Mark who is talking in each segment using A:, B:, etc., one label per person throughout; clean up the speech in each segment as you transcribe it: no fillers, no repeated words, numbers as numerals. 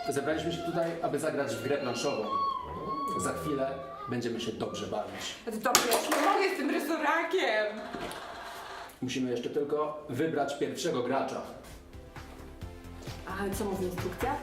A: Zebraliśmy się tutaj, aby zagrać w grę planszową. Za chwilę będziemy się dobrze bawić.
B: Dobrze, ja już nie mogę z tym rysorakiem.
A: Musimy jeszcze tylko wybrać pierwszego gracza.
B: A co mówi instrukcja?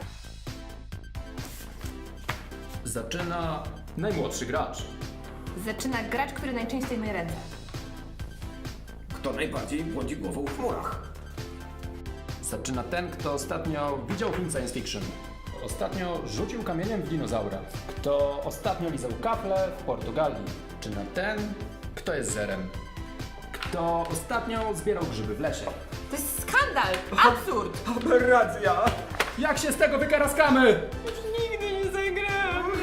A: Zaczyna najmłodszy gracz.
C: Zaczyna gracz, który najczęściej myje ręce.
D: Kto najbardziej błądzi głową w chmurach?
A: Zaczyna ten, kto ostatnio widział film science fiction. Ostatnio rzucił kamieniem w dinozaura. Kto ostatnio lizał kafle w Portugalii. Czy na ten, kto jest zerem. Kto ostatnio zbierał grzyby w lesie.
B: To jest skandal! Absurd!
D: Aberracja!
A: Jak się z tego wykaraskamy?
B: Już nigdy nie zagramy!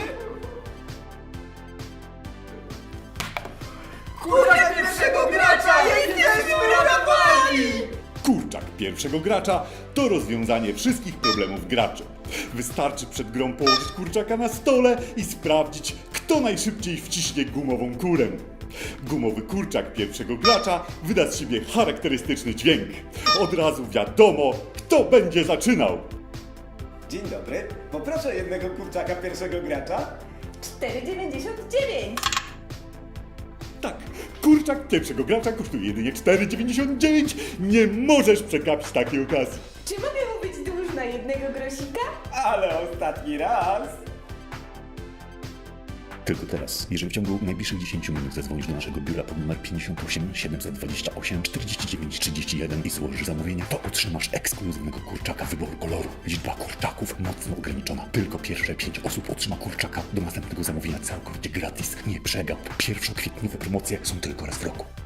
D: Kurczak pierwszego gracza! Jesteśmy uratowani!
E: Kurczak pierwszego gracza to rozwiązanie wszystkich problemów graczy. Wystarczy przed grą położyć kurczaka na stole i sprawdzić, kto najszybciej wciśnie gumową kurę. Gumowy kurczak pierwszego gracza wyda z siebie charakterystyczny dźwięk. Od razu wiadomo, kto będzie zaczynał.
F: Dzień dobry, poproszę jednego kurczaka pierwszego gracza.
C: 4,99.
E: Tak, kurczak pierwszego gracza kosztuje jedynie 4,99. Nie możesz przegapić takiej okazji.
C: Czy mogę mu być dłużna jednego grosika?
F: Ale ostatni raz.
G: Tylko teraz, jeżeli w ciągu najbliższych 10 minut zadzwonisz do naszego biura pod numer 58 728 49 31 i złożysz zamówienie, to otrzymasz ekskluzywnego kurczaka wyboru koloru. Liczba kurczaków mocno ograniczona. Tylko pierwsze 5 osób otrzyma kurczaka do następnego zamówienia całkowicie gratis. Nie przegap. Pierwszokwietniowe promocje są tylko raz w roku.